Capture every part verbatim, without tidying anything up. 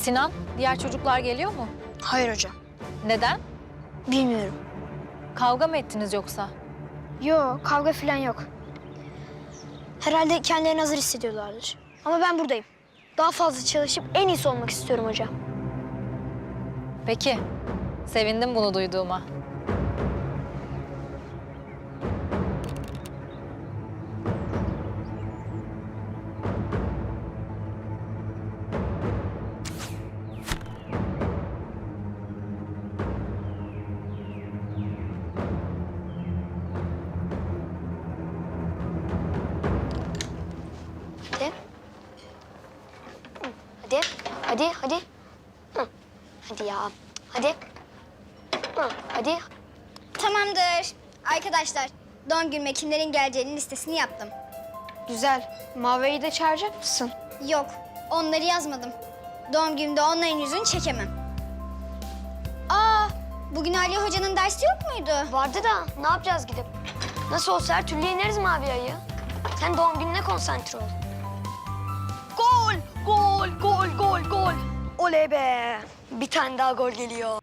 Sinan, diğer çocuklar geliyor mu? Hayır hocam. Neden? Bilmiyorum. Kavga mı ettiniz yoksa? Yok, kavga falan yok. Herhalde kendilerini hazır hissediyorlardır. Ama ben buradayım. Daha fazla çalışıp en iyisi olmak istiyorum hocam. Peki, sevindim bunu duyduğuma. Hadi. Hadi, hadi, hadi. Hı. Hadi ya. Hadi. Hı. Hadi. Tamamdır. Arkadaşlar, doğum günüme kimlerin geleceğinin listesini yaptım. Güzel. Mavi'yi de çağıracak mısın? Yok, onları yazmadım. Doğum günümde onların yüzünü çekemem. Aa, bugün Ali Hoca'nın dersi yok muydu? Vardı da ne yapacağız gidip? Nasıl olsa her türlü yeneriz Mavi ayı. Sen doğum gününe konsantre ol. Gol, gol, gol, gol, gol. Oley be. Bir tane daha gol geliyor.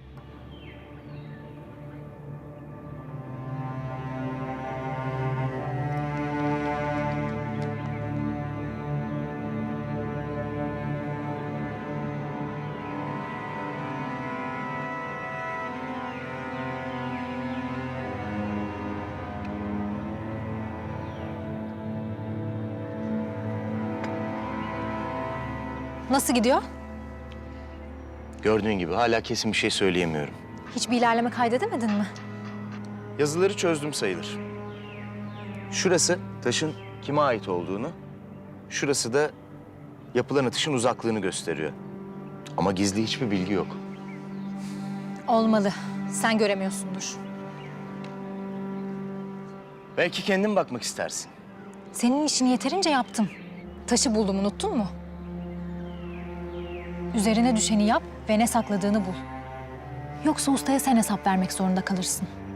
Nasıl gidiyor? Gördüğün gibi hala kesin bir şey söyleyemiyorum. Hiçbir ilerleme kaydedemedin mi? Yazıları çözdüm sayılır. Şurası taşın kime ait olduğunu, şurası da yapılan atışın uzaklığını gösteriyor. Ama gizli hiçbir bilgi yok. Olmalı. Sen göremiyorsundur. Belki kendin bakmak istersin. Senin işini yeterince yaptım. Taşı buldum, unuttun mu? Üzerine düşeni yap ve ne sakladığını bul. Yoksa ustaya sen hesap vermek zorunda kalırsın.